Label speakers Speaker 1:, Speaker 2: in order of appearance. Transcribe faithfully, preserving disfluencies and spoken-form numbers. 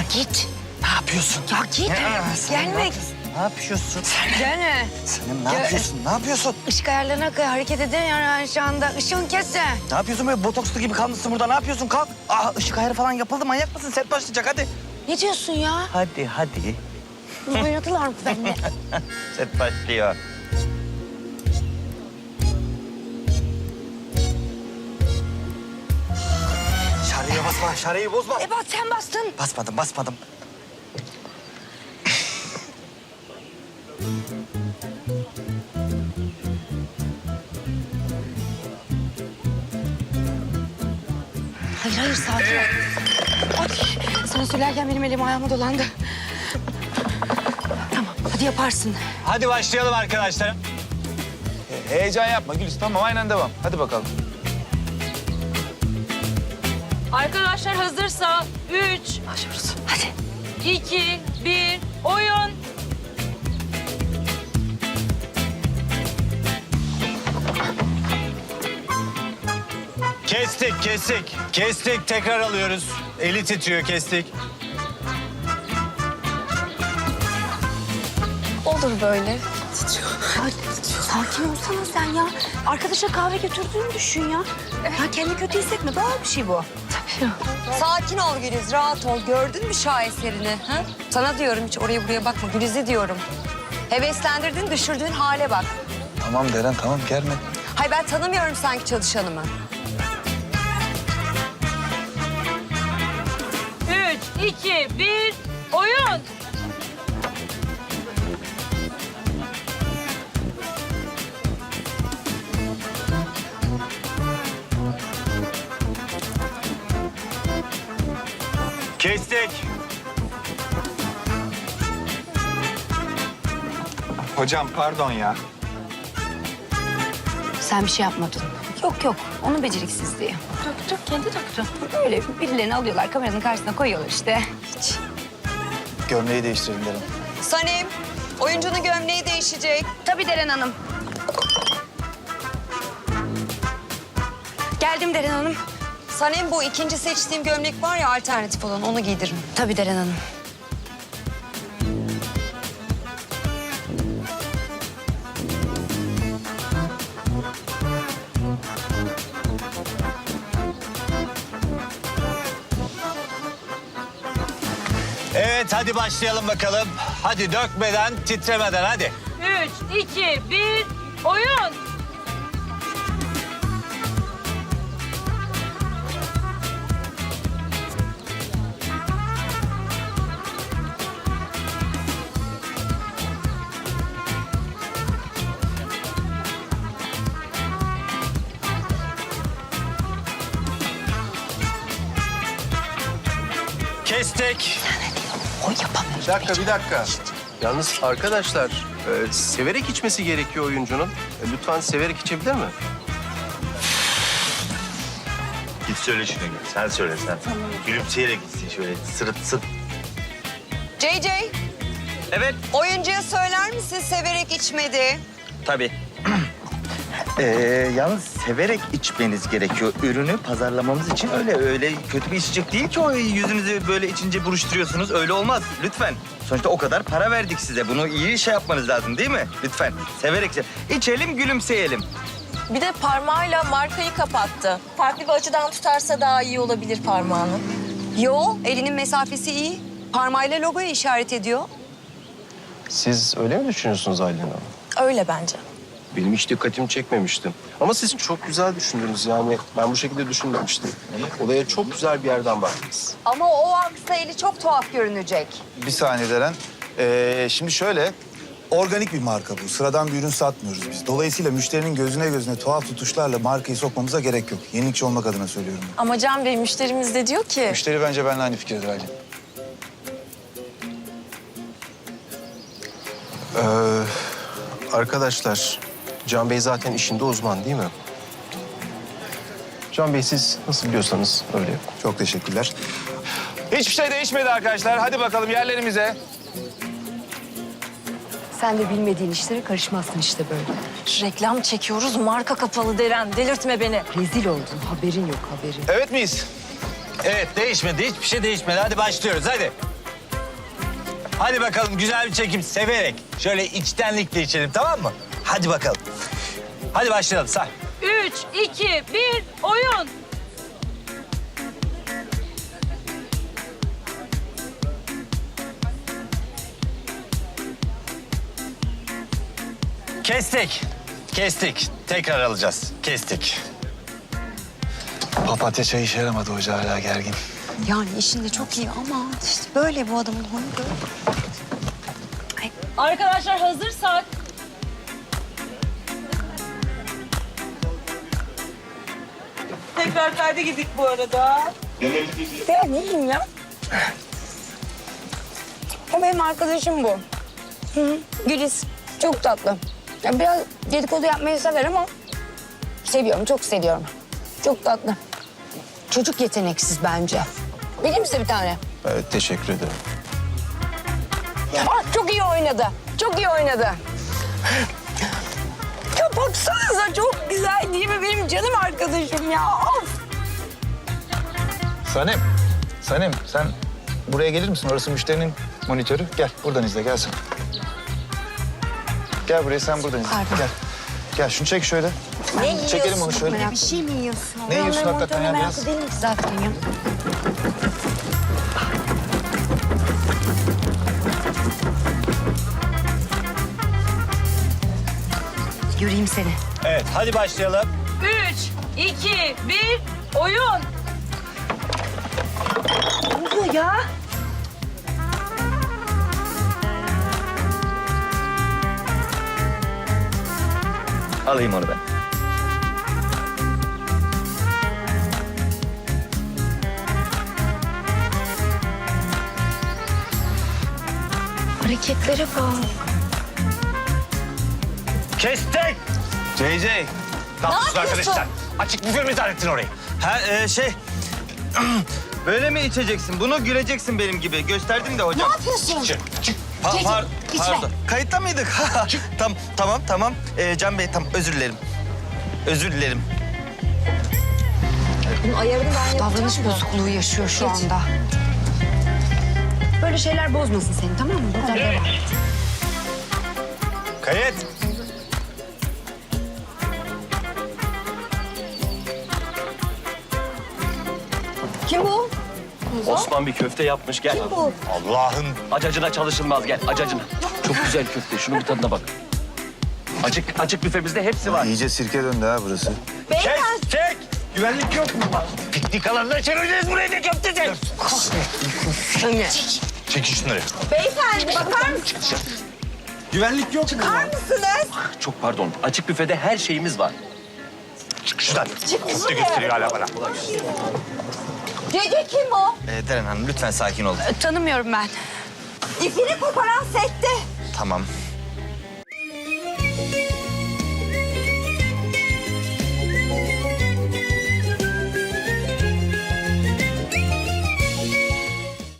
Speaker 1: git.
Speaker 2: Ne yapıyorsun?
Speaker 1: Ya git.
Speaker 2: Ya,
Speaker 1: Gelme.
Speaker 2: Ne yapıyorsun?
Speaker 1: Gelme.
Speaker 2: Senin ne
Speaker 1: Ya,
Speaker 2: yapıyorsun? Ne yapıyorsun?
Speaker 1: Işık ayarlarına kadar hareket edemiyorum yani şu anda. Işığın kesse.
Speaker 2: Ne yapıyorsun böyle botokslu gibi kalmışsın burada? Ne yapıyorsun? Kalk. Aa, ışık ayarı falan yapıldı. Manyak mısın? Set başlayacak hadi.
Speaker 1: Ne diyorsun ya?
Speaker 2: Hadi hadi.
Speaker 1: Oynadılar mı benimle?
Speaker 2: Set başlıyor. Şarjıya basma. Şarjıyı bozma.
Speaker 1: E bak sen bastın.
Speaker 2: Basmadım basmadım.
Speaker 1: Hayır hayır sakin ol. Ay, sana söylerken benim elim ayağıma dolandı. Tamam hadi yaparsın.
Speaker 3: Hadi başlayalım arkadaşlar.
Speaker 4: Heyecan yapma Gülis. Tamam aynen devam. Hadi bakalım.
Speaker 5: Arkadaşlar hazırsa üç,
Speaker 1: Başlıyoruz. Hadi.
Speaker 5: iki, bir, oyun.
Speaker 3: Kestik, kestik. Kestik, tekrar alıyoruz. Eli titriyor, kestik.
Speaker 5: Olur böyle.
Speaker 1: Ay, sakin olsana sen ya. Arkadaşa kahve götürdüğünü düşün ya. Ya kendini kötü hissetme. Doğal bir şey bu. Tabii.
Speaker 6: Sakin ol Güliz, rahat ol. Gördün mü şaheserini? Ha? Sana diyorum hiç oraya buraya bakma. Güliz'e diyorum. Heveslendirdin, düşürdüğün hale bak.
Speaker 4: Tamam Deren tamam germe.
Speaker 6: Hay ben tanımıyorum sanki çalışanımı.
Speaker 5: Üç, iki, bir, oyun.
Speaker 3: Kestik.
Speaker 4: Hocam pardon ya.
Speaker 1: Sen bir şey yapmadın. Yok yok. Onun beceriksizliği. Döktü. Kendi döktü. Öyle birilerini alıyorlar kameranın karşısına koyuyorlar işte. Hiç.
Speaker 4: Gömleği değiştirelim Deren.
Speaker 6: Sanem, oyuncunun gömleği değişecek.
Speaker 1: Tabii Deren Hanım. Geldim Deren Hanım.
Speaker 6: Sanem bu ikinci seçtiğim gömlek var ya alternatif olan onu giydiririm.
Speaker 1: Tabii Deren Hanım.
Speaker 3: Evet, hadi başlayalım bakalım. Hadi dökmeden, titremeden hadi.
Speaker 5: Üç, iki, bir, oyun.
Speaker 3: Kestik.
Speaker 1: O yapamıyor.
Speaker 7: Bir dakika, bir dakika. Yalnız arkadaşlar, e, severek içmesi gerekiyor oyuncunun. E, lütfen severek içebilir mi?
Speaker 3: Git söyle şunu, git. Sen söyle sen. Gülümseyerek gitsin şöyle, sırıtsın.
Speaker 6: C C,
Speaker 2: Evet.
Speaker 6: oyuncuya söyler misin severek içmedi?
Speaker 2: Tabii. Ee, yalnız severek içmeniz gerekiyor. Ürünü pazarlamamız için öyle öyle kötü bir içecek değil ki o yüzünüzü böyle içince buruşturuyorsunuz. Öyle olmaz. Lütfen. Sonuçta o kadar para verdik size. Bunu iyi şey yapmanız lazım değil mi? Lütfen. Severek içelim. İçelim, gülümseyelim.
Speaker 8: Bir de parmağıyla markayı kapattı. Farklı bir açıdan tutarsa daha iyi olabilir parmağını.
Speaker 6: Yo, elinin mesafesi iyi. Parmağıyla logoyu işaret ediyor.
Speaker 7: Siz öyle mi düşünüyorsunuz Aylin Hanım?
Speaker 8: Öyle bence.
Speaker 7: Benim hiç dikkatimi çekmemişti. Ama siz çok güzel düşündünüz yani. Ben bu şekilde düşünmemiştim. Olaya çok güzel bir yerden baktınız.
Speaker 6: Ama o aksa eli çok tuhaf görünecek.
Speaker 4: Bir saniye Deren. Ee, şimdi şöyle, organik bir marka bu. Sıradan bir ürün satmıyoruz biz. Dolayısıyla müşterinin gözüne gözüne tuhaf tutuşlarla markayı sokmamıza gerek yok. Yenilikçi olmak adına söylüyorum ben.
Speaker 8: Ama Can Bey müşterimiz de diyor ki...
Speaker 4: Müşteri bence benimle aynı fikirde Aylin.
Speaker 7: Ee, arkadaşlar, Can Bey zaten işinde uzman değil mi? Can Bey siz nasıl biliyorsanız öyle yapın.
Speaker 4: Çok teşekkürler.
Speaker 9: Hiçbir şey değişmedi arkadaşlar. Hadi bakalım yerlerimize.
Speaker 1: Sen de bilmediğin işlere karışmazsın işte böyle.
Speaker 8: Reklam çekiyoruz, marka kapalı Deren. Delirtme beni.
Speaker 1: Rezil oldun. Haberin yok haberin.
Speaker 9: Evet miyiz?
Speaker 3: Evet, değişmedi. Hiçbir şey değişmedi. Hadi başlıyoruz, hadi.
Speaker 10: Hadi bakalım güzel bir çekim severek. Şöyle içtenlikle içelim tamam mı? Hadi bakalım. Hadi başlayalım say.
Speaker 5: Üç, iki, bir, oyun.
Speaker 10: Kestik. Kestik. Tekrar alacağız. Kestik.
Speaker 4: Papatya çayı işe yaramadı hoca, hala gergin.
Speaker 1: Yani işinde çok iyi ama işte böyle bu adamın huyu böyle.
Speaker 5: Arkadaşlar hazırsak. Tekrar kayda gittik bu arada.
Speaker 6: Ya ne diyeyim ya? O benim arkadaşım bu. Hı, Güliz. Çok tatlı. Ya biraz dedikodu yapmayı sever ama seviyorum, çok seviyorum. Çok tatlı. Çocuk yeteneksiz bence. Vereyim mi size bir tane?
Speaker 4: Evet, teşekkür ederim.
Speaker 6: Ah, çok iyi oynadı. Çok iyi oynadı. Ya baksanıza çok güzel değil mi? Benim canım arkadaşım ya. Of.
Speaker 4: Sanem, Sanem sen buraya gelir misin? Orası müşterinin monitörü. Gel, buradan izle, gelsin. Gel buraya, sen buradan izle. Gel. Gel, şunu çek şöyle.
Speaker 6: Ne yiyorsun?
Speaker 4: Çekelim onu şöyle.
Speaker 1: Bir şey mi yiyorsun?
Speaker 4: Ne yiyorsun
Speaker 1: Ben
Speaker 4: hakikaten ya?
Speaker 1: meraklı
Speaker 4: Biraz...
Speaker 1: değilim ki zaten ya. Göreyim seni.
Speaker 10: Evet hadi başlayalım.
Speaker 5: Üç, iki, bir, oyun.
Speaker 1: Ne oluyor ya?
Speaker 2: Alayım onu ben.
Speaker 1: Hareketlere bak.
Speaker 10: Kestik.
Speaker 3: C C.
Speaker 10: Tatlısın arkadaşlar. Açık büfe mi zannettin orayı?
Speaker 2: Ha e, şey... Böyle mi içeceksin? Bunu güleceksin benim gibi. Gösterdim de hocam.
Speaker 1: Ne yapıyorsun?
Speaker 10: Çık, çık.
Speaker 2: Pa-
Speaker 1: Cece,
Speaker 2: par-
Speaker 1: içme.
Speaker 2: pardon. Kayıtta mıydık? Tam, tamam, tamam. Ee, Can Bey, tamam. Özür dilerim. Özür dilerim.
Speaker 6: Bunun ayarını ben yapacağım.
Speaker 1: Davranış bozukluğu yaşıyor şu anda. Böyle şeyler bozmasın seni, tamam mı? Buradan devam.
Speaker 10: Kayıt.
Speaker 6: Kim bu?
Speaker 7: Osman bir köfte yapmış gel.
Speaker 6: Bu.
Speaker 10: Allah'ın
Speaker 7: Acacına çalışılmaz gel acacına. Çok güzel köfte şunun bir tadına bak. Açık açık büfemizde hepsi var.
Speaker 4: İyice sirke döndü ha burası.
Speaker 10: Kes, çek. Güvenlik yok mu? Piknik alanına çevireceğiz burayı da köfteci. Çekin şunları.
Speaker 6: Beyefendi bakar mısınız?
Speaker 10: Güvenlik yok mu?
Speaker 7: Çok pardon açık büfede her şeyimiz var.
Speaker 10: Çık şuradan. Köfte gösteriyor hala bana.
Speaker 6: Cece kim o?
Speaker 2: Ee, Deren Hanım, lütfen sakin olun.
Speaker 1: Tanımıyorum ben.
Speaker 6: İpini koparan sette.
Speaker 2: Tamam.